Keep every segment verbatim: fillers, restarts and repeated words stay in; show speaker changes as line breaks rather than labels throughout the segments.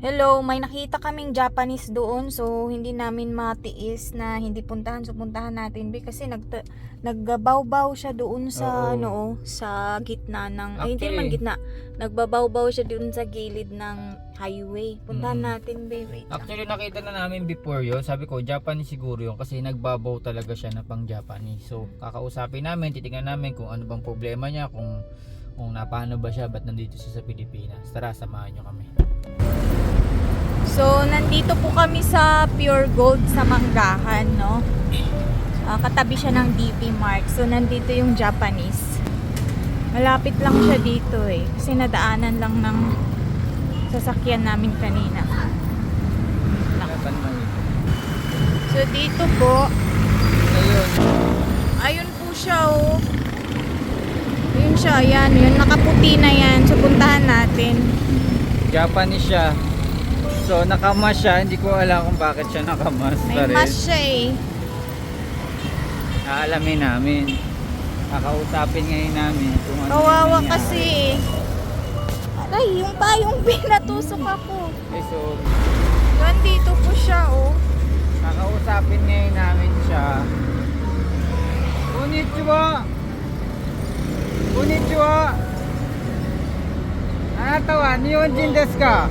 Hello, may nakita kaming Japanese doon, so hindi namin matiis na hindi puntahan. So puntahan natin be kasi nag nagbabaw-baw siya doon sa
Oo.
ano oh, sa gitna ng ay hindi
Actually-
man gitna. Nagbabaw-baw siya doon sa gilid ng highway. Puntahan
Mm.
natin be. Wait lang.
Actually nakita na namin before yun. Sabi ko Japanese siguro yun kasi nagbabaw talaga siya na pang Japanese. So kakausapin namin, titingnan namin kung ano bang problema niya, kung kung napano ba siya, ba't nandito siya sa Pilipinas. Tara, samahan nyo kami.
So nandito po kami sa Pure Gold sa Manggahan, no? Ah, katabi siya ng D P Mart. So nandito yung Japanese. Malapit lang siya dito eh. Kasi nadaanan lang ng sasakyan namin kanina.
Japan man ito.
So dito po,
Ayun.
ayun po siya oh. Ayun siya, ayan. Yun, nakaputi na yan. So puntahan natin.
Japanese siya. So nakamas siya. Hindi ko alam kung bakit siya nakamas.
May
pa rin.
mas siya eh.
Aalamin namin. Kakausapin ngayon namin kung ano
Kawawa
yung nangyari.
kasi eh. Aray, yung pa yung pinatusok ako.
Okay, so
Yun, dito po siya oh.
kakausapin ngayon namin siya. Konnichiwa! Konnichiwa! Anata wa Nihonjin desu ka?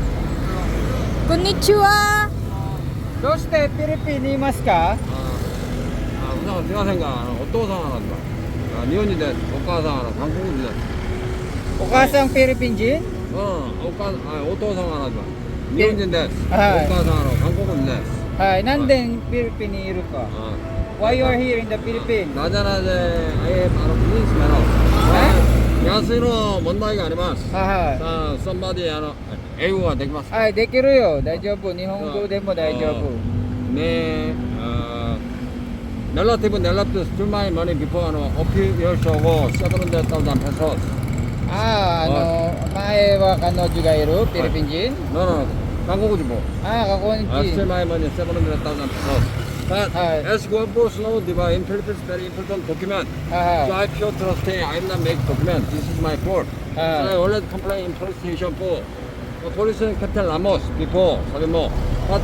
Konnichiwa!
どうしてフィリピンにいますか?
ああ、普段すみませんが、あのお父さんはなんだ。あ、日本人です。お母さんは韓国人です。
O kasang Philippine Jin?
うん、お母、あ、お父さんはなんだ。日本人です。お
はい
母さんは韓国人です。
はい、なんでフィリピンにいるか?
あ
Why you are here in the Philippines?
なぜなぜ、えー、あの、プリンスメの。安いの問題があります。さ
は
あ、そんまで、あの、英語ができます
い。
か。
はい、できるよ。大丈夫。日本語でも大丈夫。
ねえ、あー、relative, relative to my money before, あの、オピューションをセブンデータウザンペソス。
ああ、あの、前は彼女がいるフィリピン人?
No, no, no.韓国人も。
ああ、韓国
I still
人。
my money seven hundred thousand pesos. But
Hi.
as you both know, the in Philippines very important document. So
は
I feel trusting. I am not make document. This is my fault.
い。
So I
はい。
already complained in police station for the police Captain Ramos before. Sabi mo. But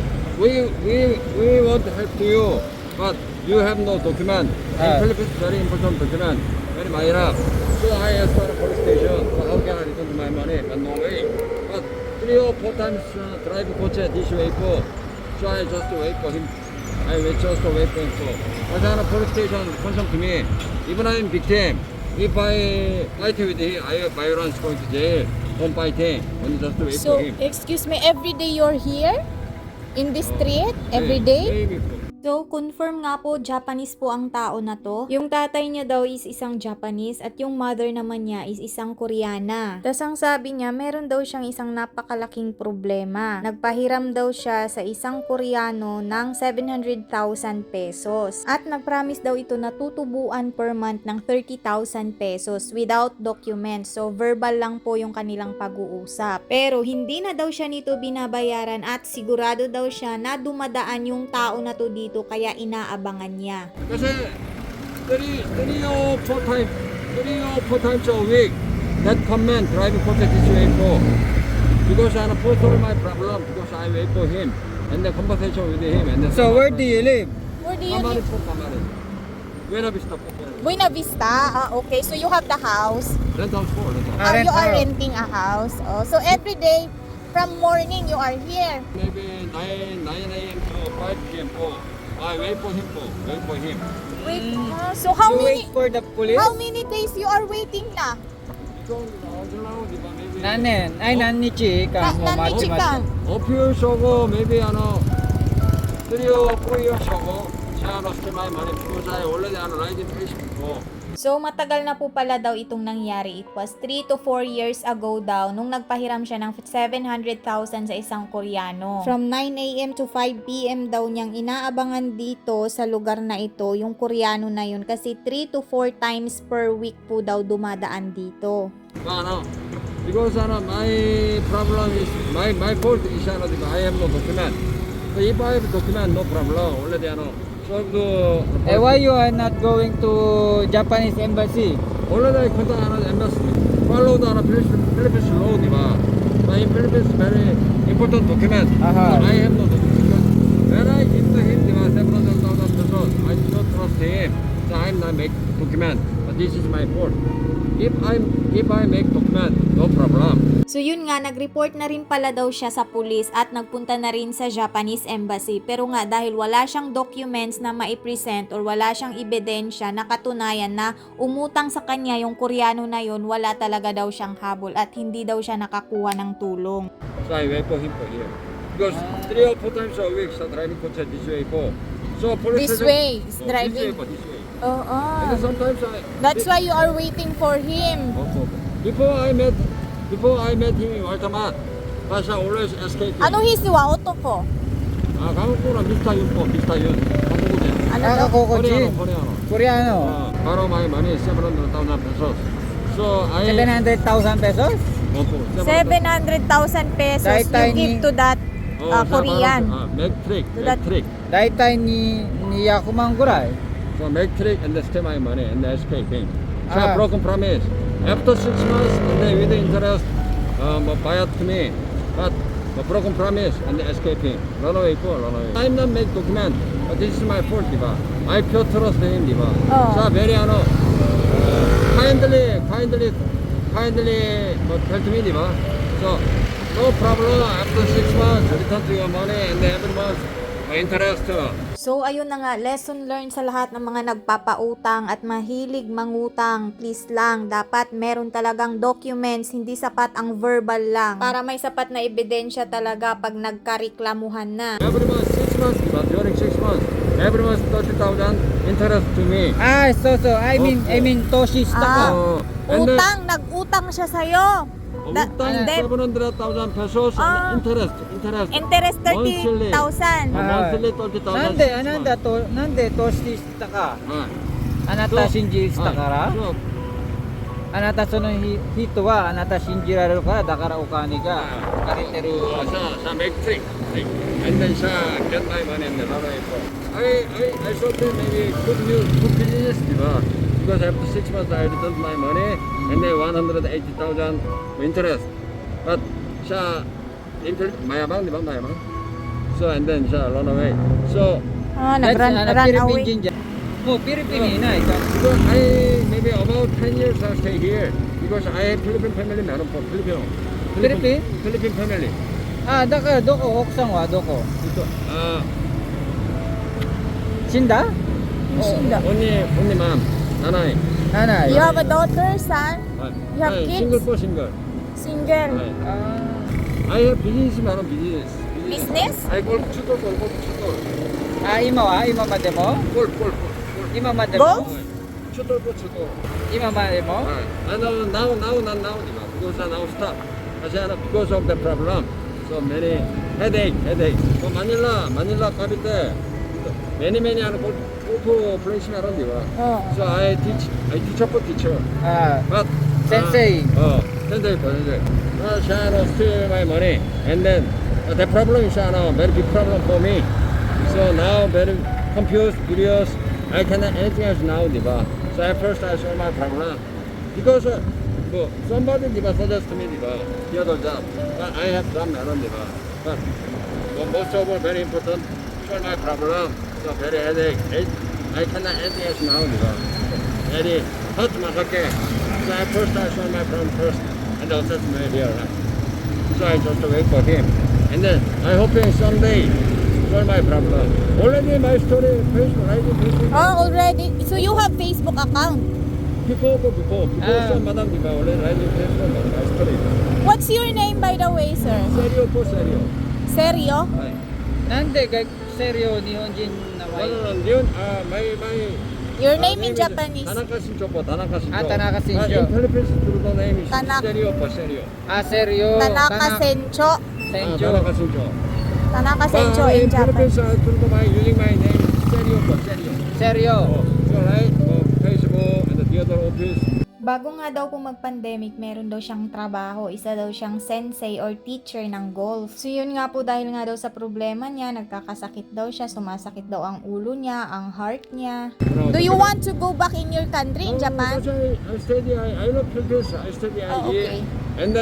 we we we want to help you. But you have no document.
Hi.
In Philippines very important document. Very minor. So I asked for the police station. So how can I return my money? But no way. But three or four times uh, drive coach this way for. So I just wait for him. I wait just wait for him. So as a police station confirm to me, even I'm victim. If I fight with him, I have violence going to jail. Don't fight him. Only just wait
So,
for him.
excuse me, every day you're here? In this street? Every day?
Maybe.
So, confirm nga po, Japanese po ang tao na to. Yung tatay niya daw is isang Japanese at yung mother naman niya is isang Koreana. Tapos ang sabi niya, meron daw siyang isang napakalaking problema. Nagpahiram daw siya sa isang Koreano ng seven hundred thousand pesos. At nagpromise daw ito na tutubuan per month ng thirty thousand pesos without documents. So, verbal lang po yung kanilang pag-uusap. Pero hindi na daw siya nito binabayaran at sigurado daw siya na dumadaan yung tao na to dito kaya inaabangan niya.
Kasi three, three or four times, three or four times a week, that comment driving for this way for. Because I post all my problem because I wait for him and the conversation with him and then.
So where do you live?
Where do you
Kamari
live?
po, Kamari. Buena Vista po.
Buena Vista. Ah, okay. So you have the house.
Rent house po, rent house.
Ah,
Ah,
rent
you are
house.
renting a house. Oh, so every day from morning you are here.
Maybe nine, nine a m to five p m po. I wait for him po, wait for him.
Wait. ah, so how
You
many
wait for the police?
how many days you are waiting na?
좀 나오더라고, di ba? Maybe.
何年? Ay, 何日か
Na,
もう待ち
nannichi
ま
ka?
し
어필 쇼고, maybe ano, three or four years ago, siya lost my money because I already ano, riding Facebook po.
So matagal na po pala daw itong nangyari. It was three to four years ago daw nung nagpahiram siya ng seven hundred thousand sa isang Koreano. From nine a m to five p m daw niyang inaabangan dito sa lugar na ito yung Koreano na yun kasi three to four times per week po daw dumadaan dito.
ano, because ano, my problem is, my my fault is ano, di ba? I have no document. So if I have document, no problem. Already ano, solve the.
Eh, why you are not going to Japanese embassy?
Already contact ano, embassy. Follow the ano, Philippines Philippines law, di ba? my Philippines very important document.
Aha.
So I have no document. When I give to him the seven hundred thousand pesos, I do not trust him. So I'm not make document. But this is my fault. If I'm if I make document, no problem.
So yun nga, nag-report na rin pala daw siya sa pulis at nagpunta na rin sa Japanese Embassy. Pero nga dahil wala siyang documents na maipresent or wala siyang ebidensya na katunayan na umutang sa kanya yung Koreano na yun, wala talaga daw siyang habol at hindi daw siya nakakuha ng tulong.
So I wait for him for here. Because three or four times a week, so driving coach this way for. So police
This
station-
way, is
Oh,
driving.
This way for this way.
Oo.
And then sometimes I.
That's why you are waiting for him.
Also, before I met, before I met him in Altamont, Pasha always escaped.
Ano hisiwa oto ko?
아, 한국어랑 비슷한 윤법, 비슷한 윤. 한국어지.
Ano
Ah,
daw?
Kokoji.
코리아노, 코리아노.
Koreano.
어, 바로 my money seven hundred thousand pesos. So I.
seven hundred thousand pesos?
오토,
seven hundred thousand pesos
Dahil tayo
you give
ni-
to that
어,
uh,
자,
Korean.
바로, 아, 맥트릭,
So that-
맥트릭.
Daitay ni ni Yakuman guray.
So 맥트릭 and then stay my money and then escaping. So
Ah.
broken promise. After six months and then with the interest, um, buy it to me. But but broken promise and then escaping. Run away for run away. I'm not make document. But this is my fault, diba? I pure trust him, diba?
Oh.
So very ano, uh, kindly, kindly, kindly, but tell to me, diba? So no problem. After six months, return to your money and then every month my interest.
So ayun na nga, lesson learned sa lahat ng mga nagpapautang at mahilig mangutang. Please lang, dapat meron talagang documents, hindi sapat ang verbal lang. Para may sapat na ebidensya talaga pag nagkareklamuhan na.
Every month, six months, but during six months, every month thirty thousand interest to me.
Ah, so so I mean I mean Toshi
Ah.
stock.
Oh, and then
Utang, nag-utang siya sa'yo. Da-
utang
then,
seven hundred thousand pesos
Ah.
and interest, interest.
interest thirty thousand.
Uh,
Ah.
monthly thirty thousand.
Nande ananda to nande Toshi stock ka.
Ah.
Anata
So-
shinji stock
Ah,
kara.
so,
あなたその人はあなた信じられるからだからお金が借りてる
uh, sa sa make trick, trick. And then sa get my money and then run away for. I I I thought that maybe good news, good business, diba? Because after six months I returned my money and then one hundred eighty thousand interest. But sa interest, mayabang, diba? Mayabang. So and then sa run away. So
Ah,
That's
nag-run
ano,
run
Philippine
away.
Jinja. Mo Philippine na ikaw.
because I maybe about ten years I stay here because I have Philippine family, meron po Filipino.
Philippine?
Philippine family.
Ah, daka doko oksan wa doko.
Ito. Ah,
Shinda?
Shinda.
only only mom, nanay.
Nanay.
You have a daughter, son?
Ah,
You have
ah,
kids?
Single po single.
Single?
Ah,
Ah,
I have business, meron business.
Business?
I golf chuto, golf chuto.
ah ima wa ima ma demo?
Golf, golf, golf.
Ima ma demo?
Golf?
Chuto po chuto.
Ima ma demo?
Ah, I know now, now, not now, diba? Because I now stop. Kasi ano, because of the problem. So many headache, headache. So Manila, Manila Cavite. Many, many ano, golf, golf place meron, diba?
Oh.
So I teach, I teach up a teacher.
Ah,
But
Sensei.
Uh, oh, sensei po, sensei. Uh, siya ano, steal my money. And then, uh, the problem is ano, very big problem for me. So now, very confused, curious. I cannot anything else now, diba? So at first I saw my problem. Because, uh, well, somebody, diba, suggest to me, diba, the other job. But I have done meron, diba? But, but most of all, very important, solve my problem. So very headache. I, I cannot anything else now, diba? Very hurt masake. So at first I saw my problem first, and then that's my dear. So I just wait for him, and then I hoping someday solve my problem. Already my story Facebook, I did Facebook.
Oh, already. So you have Facebook account?
Before, before, before
Ah.
some madam diba, already I did Facebook, my story.
What's your name by the way, sir?
Serio po, serio.
Seryo?
Ay.
nande ga seryo nihonjin na
No,
mai.
no, no, yun, ah, my, my,
Your
ah,
name in
is
Japanese?
Tanaka Shincho po, Tanaka Shincho.
Ah, Tanaka
Ah,
Shincho.
in Philippines, true the name is
Tanak-
Serio po, serio.
Ah, seryo.
Tanaka Sencho.
Ah,
Senjo.
Tanaka Shincho.
Tanaka Sencho
Ah,
in
in Philippines,
Japan.
uh, true the my using my name, serio po, serio.
Seryo.
Oh, so right, oh, Facebook and the other office.
Bago nga daw po mag-pandemic, meron daw siyang trabaho. Isa daw siyang sensei or teacher ng golf. So yun nga po, dahil nga daw sa problema niya, nagkakasakit daw siya, sumasakit daw ang ulo niya, ang heart niya. Do you want to go back in your country, in
No,
Japan?
that's why I study, I, I love Philippines, I study
Oh,
here.
okay.
And then,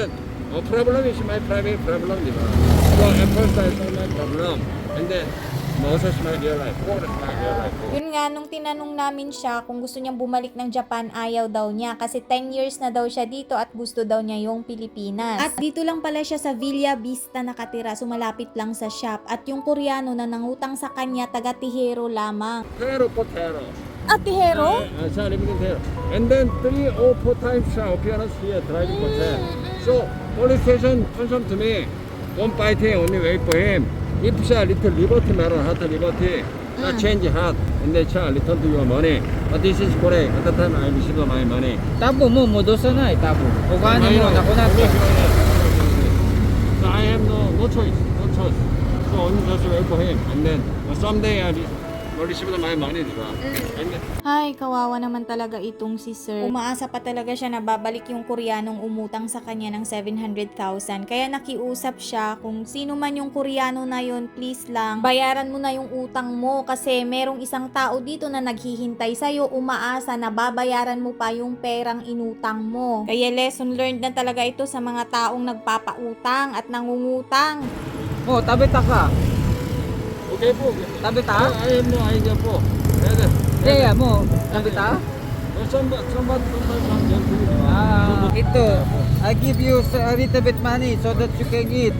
어, problem is my private problem, di ba? So at first I saw my problem, and then Moses my real life, what is my real life?
Yun nga, nung tinanong namin siya kung gusto niyang bumalik ng Japan, ayaw daw niya kasi ten years na daw siya dito at gusto daw niya yung Pilipinas. At dito lang pala siya sa Villa Vista nakatira, so malapit lang sa shop. At yung Koreano na nangutang sa kanya, taga Tihero lamang.
Tero po tero.
At Tihero?
아, 자, living in Tero. And then three or four times siya appearance here, driving for ten. So police station confirm to me, don't fight him, only wait for him. If siya little liberty matter, heart liberty, not change heart, and then siya return to your money. But this is correct. At the time I received my money.
Tabo mo, modosa na eh, tabo. O kano mo, nakunat ka.
So I have no no choice, no choice. So only just wait for him, and then someday I will receive my money, di ba? And then,
Ay, kawawa naman talaga itong si Sir. Umaasa pa talaga siya na babalik yung Koreanong umutang sa kanya ng seven hundred thousand. Kaya nakiusap siya kung sino man yung Koreano na yun, please lang, bayaran mo na yung utang mo kasi merong isang tao dito na naghihintay sa'yo, umaasa na babayaran mo pa yung perang inutang mo. Kaya lesson learned na talaga ito sa mga taong nagpapautang at nangungutang.
Oh, tabita ka.
okay po.
Tabita?
I have no idea po. And then,
Kaya mo, tabita?
somebody, somebody, somebody, somebody.
Ah, ito. I give you a little bit money so that you can eat.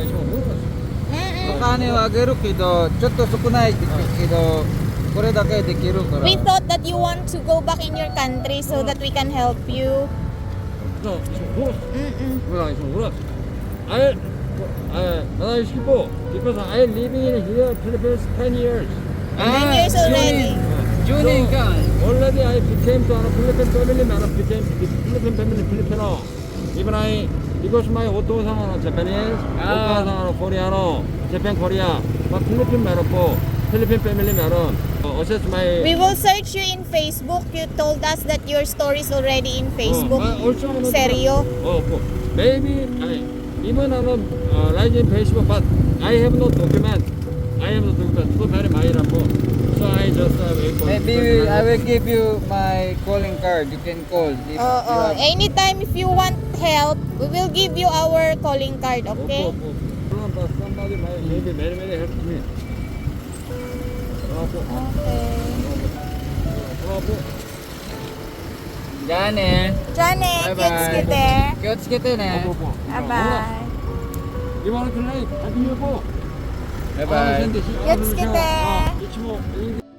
Okane wa ageru kedo, chotto sukunai kedo, kore dake dekiru kara.
We thought that you want to go back in your country so that we can help you.
No, it's a horse.
Mm-mm.
Well, it's a horse. I, I, I people, because I living in here, Philippines, ten years.
Ten years already.
Junin ka.
Already I became to a Philippine family man, I became Philippine family Filipino. Even I, because my otosan Japanese,
Ah.
otosan Koreano, Japan Korea, but Philippine man po, Philippine family man. Uh, assess my.
We will search you in Facebook. You told us that your story is already in Facebook.
Oh, I also wanna-
Seryo?
Oh, po. Maybe I, even I'm uh, like in Facebook, but I have no document. I have no document. So very minor po. So I just uh, wait for.
Maybe I will give you my calling card. You can call. If
Oo.
you have-
Anytime if you want help, we will give you our calling card, okay?
Opo, opo. But somebody might maybe many many help me. Opo.
Okay.
Opo.
Janet.
Johnny,
Bye-bye.
kids kita.
Kyots kita ne.
Opo.
Bye-bye.
You want to play? Happy New Year po.
Bye bye.
Gets kita.
아, 이치모.